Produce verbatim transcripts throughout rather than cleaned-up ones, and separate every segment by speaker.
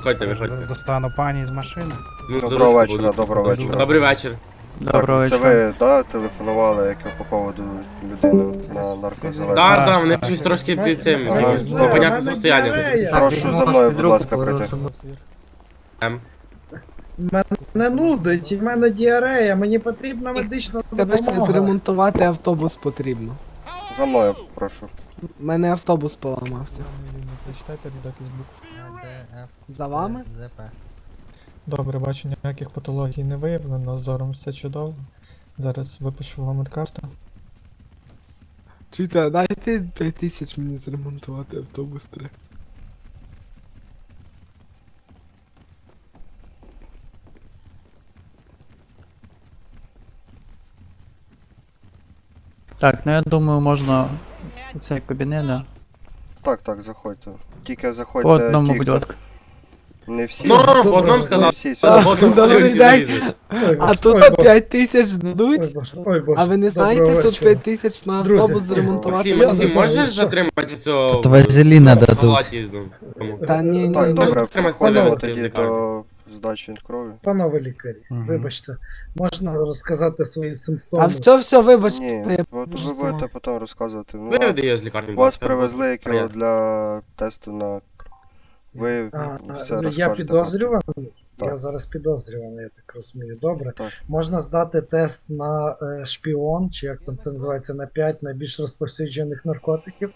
Speaker 1: Виходьте, виходьте.
Speaker 2: Достану пані з машини.
Speaker 1: Ну, за
Speaker 3: Доброго
Speaker 1: ручку
Speaker 3: вечора,
Speaker 1: буду.
Speaker 3: доброго вечора.
Speaker 1: Добрий вечір.
Speaker 4: Доброго
Speaker 3: Так, це
Speaker 4: вечора.
Speaker 3: ви, да, телефонували, як по поводу людини на наркозалежність?
Speaker 1: Так,
Speaker 2: Так,
Speaker 1: так, вони
Speaker 2: так.
Speaker 1: щось трошки під цим.
Speaker 3: Ага,
Speaker 1: Ага,
Speaker 3: добре.
Speaker 1: непонятне состояння.
Speaker 3: Прошу за мною, будь ласка, прийти.
Speaker 1: Ем.
Speaker 5: Мене нудить, в мене діарея, мені потрібна медична
Speaker 6: Коротше,
Speaker 5: допомога.
Speaker 6: зремонтувати автобус потрібно.
Speaker 3: За мною, прошу.
Speaker 6: У мене автобус поламався.
Speaker 7: Прочитайте рядок із букв А, Д, Ф,
Speaker 6: За вами?
Speaker 7: З, П. Добре, бачу, ніяких патологій не виявлено, зором все чудово. Зараз випишу вам медкарту.
Speaker 6: Чуйте, дайте п'ять тисяч мені зремонтувати автобус треба.
Speaker 4: Так, ну я думаю, можна у цей кабінет, да?
Speaker 3: Так, так, заходьте. Тільки
Speaker 4: По
Speaker 3: заходьте,
Speaker 4: одному,
Speaker 3: ті,
Speaker 4: будь
Speaker 3: хто-
Speaker 4: ласка.
Speaker 3: Не всі.
Speaker 1: Ну, по
Speaker 5: Добре,
Speaker 1: одному
Speaker 3: Не
Speaker 1: сказав.
Speaker 3: всі
Speaker 1: По
Speaker 3: сюди.
Speaker 1: одному
Speaker 6: Добрий
Speaker 1: всі
Speaker 6: день.
Speaker 1: залізли.
Speaker 5: Ой,
Speaker 6: А
Speaker 5: Боже,
Speaker 6: тут
Speaker 5: ой, Боже,
Speaker 6: п'ять тисяч
Speaker 5: ой,
Speaker 6: дадуть?
Speaker 5: Боже, ой, Боже.
Speaker 6: А ви не знаєте,
Speaker 5: Доброго
Speaker 6: тут
Speaker 5: вечора.
Speaker 6: п'ять тисяч на
Speaker 5: Друзі,
Speaker 6: автобус зремонтувати?
Speaker 1: Максим,
Speaker 5: Я не
Speaker 1: Максим,
Speaker 5: знаю,
Speaker 1: можеш
Speaker 5: що-
Speaker 1: затримати цього...
Speaker 8: Тут вазеліна
Speaker 1: в
Speaker 8: дадуть.
Speaker 1: палаті їздив? Кому?
Speaker 6: Та ні, ні,
Speaker 3: Так,
Speaker 6: ні.
Speaker 3: добре,
Speaker 1: Тримайся,
Speaker 3: переходимо
Speaker 1: вивезти з
Speaker 3: тоді
Speaker 1: лікарні.
Speaker 3: до здачі крові.
Speaker 5: Панове лікарі,
Speaker 2: Мгм.
Speaker 5: вибачте, можна розказати свої
Speaker 6: А
Speaker 5: симптоми?
Speaker 6: все, все, вибачте.
Speaker 3: Ні,
Speaker 6: я
Speaker 3: от ви
Speaker 6: просто-
Speaker 3: будете потім розказувати. Ну,
Speaker 1: Виведи її з лікарні. будь
Speaker 3: вас
Speaker 1: ласка.
Speaker 3: привезли як його
Speaker 1: Понятно.
Speaker 3: для тесту на... Ви
Speaker 5: А,
Speaker 3: все
Speaker 5: я
Speaker 3: розкажете.
Speaker 5: підозрюваний?
Speaker 3: Так.
Speaker 5: Я зараз підозрюваний, я так розумію. Добре.
Speaker 3: Так.
Speaker 5: Можна здати тест на е, шпіон, чи як там це називається, на п'ять найбільш розповсюджених наркотиків.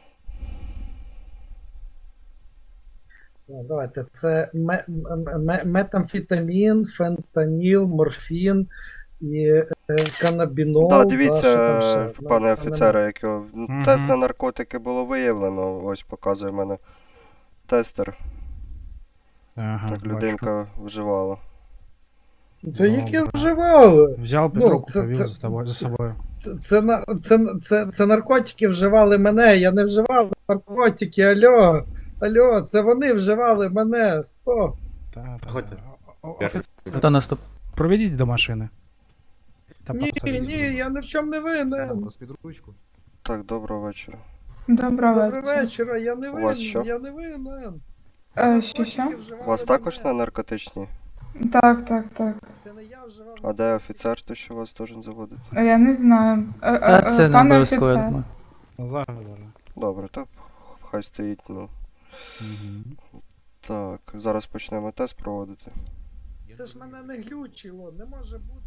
Speaker 5: Ну, давайте, це ме- м- м- метамфетамін, фентаніл, морфін і е, канабінол.
Speaker 3: Так,
Speaker 5: да,
Speaker 3: дивіться,
Speaker 5: що там ще? Ну,
Speaker 3: пане
Speaker 5: це
Speaker 3: офіцере, як його ну,
Speaker 2: Мгм.
Speaker 3: тест на наркотики було виявлено. Ось показує в мене тестер.
Speaker 2: Ага,
Speaker 3: Так,
Speaker 2: бачу.
Speaker 3: людинка вживала.
Speaker 5: нема. То які
Speaker 2: Добре.
Speaker 5: вживали?
Speaker 2: Взяв під
Speaker 5: Ну,
Speaker 2: руку,
Speaker 5: це-
Speaker 2: повіз
Speaker 5: це-
Speaker 2: за тобою- за собою.
Speaker 5: Це, це, на- це, це, це наркотики вживали мене, я не вживав наркотики, алло, алло, це вони вживали мене, стоп.
Speaker 2: Та, та,
Speaker 1: Проходьте.
Speaker 2: та. О- Офіцер,
Speaker 4: Хто наступ?
Speaker 2: проведіть до машини. Та
Speaker 5: Ні,
Speaker 2: посадіть.
Speaker 5: ні, я ні в чому не винен.
Speaker 3: Так, доброго вечора.
Speaker 9: Доброго
Speaker 5: Доброго
Speaker 9: вечора.
Speaker 5: вечора, я не
Speaker 3: У вас що?
Speaker 5: винен, я не винен. Це
Speaker 9: Е,
Speaker 5: наркотики
Speaker 9: що, що?
Speaker 5: вживали
Speaker 3: У вас також
Speaker 5: мене.
Speaker 3: на наркотичні?
Speaker 9: Так, так, так.
Speaker 5: Це не я вживав.
Speaker 3: А де офіцер, то що вас должен заводити?
Speaker 9: Е, Я не знаю. Е, е,
Speaker 4: Та
Speaker 9: е,
Speaker 4: це не
Speaker 9: пане
Speaker 4: обов'язково, я
Speaker 9: офіцер.
Speaker 4: думаю.
Speaker 2: Зараз, зараз.
Speaker 3: Добре, так хай стоїть, ну.
Speaker 2: Мгм.
Speaker 3: Так, зараз почнемо тест проводити.
Speaker 5: Це ж мене не глючило, не може бути.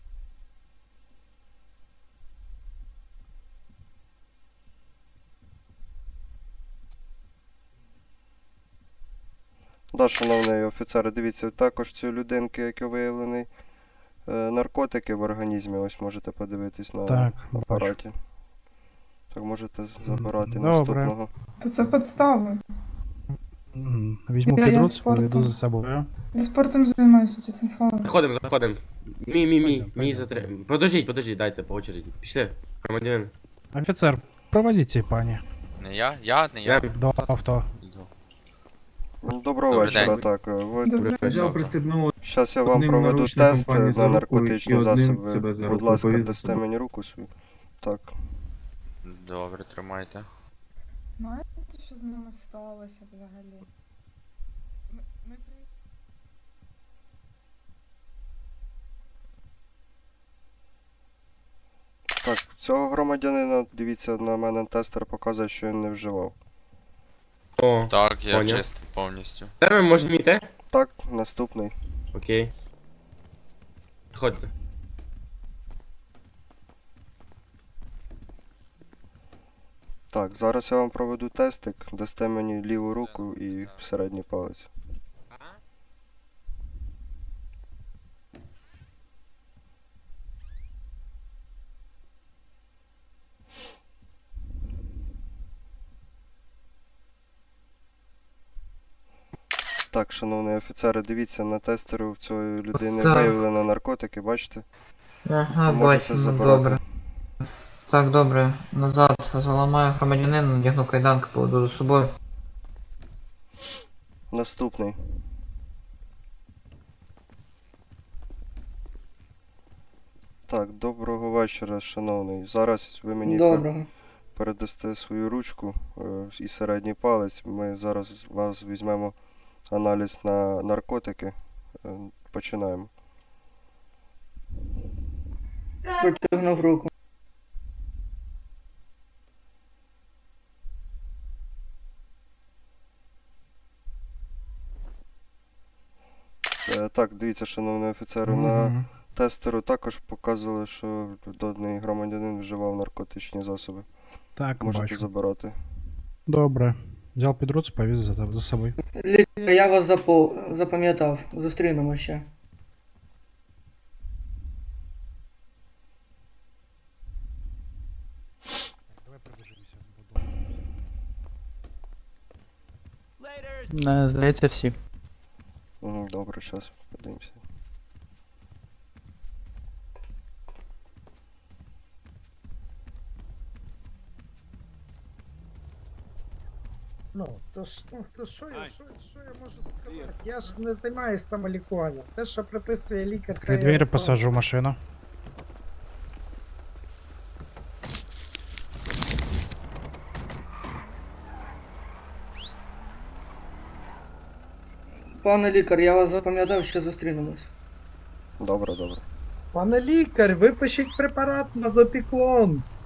Speaker 3: Да, шановний офіцер, дивіться, також цієї людинки, як виявлений, е, наркотики в організмі, ось можете подивитись на
Speaker 2: Так, бачу.
Speaker 3: апараті. Так, можете забирати
Speaker 2: Добре.
Speaker 3: наступного.
Speaker 9: То це підстави.
Speaker 2: Мгм. Візьму
Speaker 9: Я-
Speaker 2: під
Speaker 9: я
Speaker 2: руку,
Speaker 9: спортом.
Speaker 2: поведу за собою.
Speaker 9: Я спортом займаюся, чесне слово.
Speaker 1: Заходимо, заходимо. Мій, мій, мій,
Speaker 2: Пойдем,
Speaker 1: мій
Speaker 2: пойдем.
Speaker 1: затриманий. Подождіть, подождіть, дайте по очереді. Пішли, громадянин.
Speaker 2: Офіцер, проведіть ці пані
Speaker 10: Не я? Я? Не я?
Speaker 1: Я
Speaker 2: до авто.
Speaker 10: Йду.
Speaker 3: Ну, Доброго
Speaker 10: Добрий
Speaker 3: вечора,
Speaker 10: день.
Speaker 3: так. е, Ви...
Speaker 9: Добре.
Speaker 1: Взяв
Speaker 11: пристебнув
Speaker 3: Зараз я вам
Speaker 11: одним
Speaker 3: проведу
Speaker 11: наручником
Speaker 3: тест
Speaker 11: пані
Speaker 3: на
Speaker 11: за руку
Speaker 3: наркотичні
Speaker 11: і одним
Speaker 3: засоби.
Speaker 11: себе за
Speaker 3: Будь
Speaker 11: руку
Speaker 3: ласка,
Speaker 11: повіз за
Speaker 3: дасте
Speaker 11: собою.
Speaker 3: мені руку свою. Так.
Speaker 10: Добре, тримайте.
Speaker 9: Знаєте, що з ними сталося взагалі? Ми, ми при...
Speaker 3: Так, цього громадянина, дивіться, на мене тестер показує, що він не вживав.
Speaker 1: О,
Speaker 10: Так, я
Speaker 1: Поняв.
Speaker 10: чистий повністю.
Speaker 1: де ми можемо йти?
Speaker 3: Так, наступний.
Speaker 1: Окей. Ходьте.
Speaker 3: Так, зараз я вам проведу тестик, дасте мені ліву руку і середній палець. Так, шановний офіцер, дивіться, на тестеру в цієї людини
Speaker 8: Так.
Speaker 3: виявлено наркотики, бачите?
Speaker 8: Ага,
Speaker 3: Ви можете
Speaker 8: бачимо,
Speaker 3: забирати.
Speaker 8: добре. Так, добре. Назад заламаю громадянина, надягну кайданки, поведу за собою.
Speaker 3: Наступний. Так, доброго вечора, шановний. Зараз ви мені пер-
Speaker 8: Доброго.
Speaker 3: передасте свою ручку е, і середній палець. Ми зараз вас візьмемо аналіз на наркотики. Е, Починаємо.
Speaker 8: Протягнув руку.
Speaker 3: Е, Так, дивіться, шановний офіцер, на
Speaker 2: Мгм.
Speaker 3: тестеру також показували, що даний громадянин вживав наркотичні засоби.
Speaker 2: Так,
Speaker 3: Можете
Speaker 2: бачу.
Speaker 3: забирати.
Speaker 2: Добре. Взяв під руку, повіз за, за собою.
Speaker 8: Лікар, я вас запо- запам'ятав. Зустрінемо ще.
Speaker 2: Давай пробіжимося.
Speaker 4: Не, здається, всі.
Speaker 3: Угу, добре, зараз подивимося.
Speaker 5: Ну, то ж, ну, то що я, що, що я можу сказати? Я ж не займаюся самолікуванням. Те, що приписує лікар, те
Speaker 2: Відкрий
Speaker 5: я
Speaker 2: двері,
Speaker 5: виконую.
Speaker 2: посаджу в машину.
Speaker 8: Пане лікар, я вас запам'ятав, ще зустрінемось.
Speaker 3: Добре, добре.
Speaker 5: Пане лікар, випишіть препарат мазопіклон.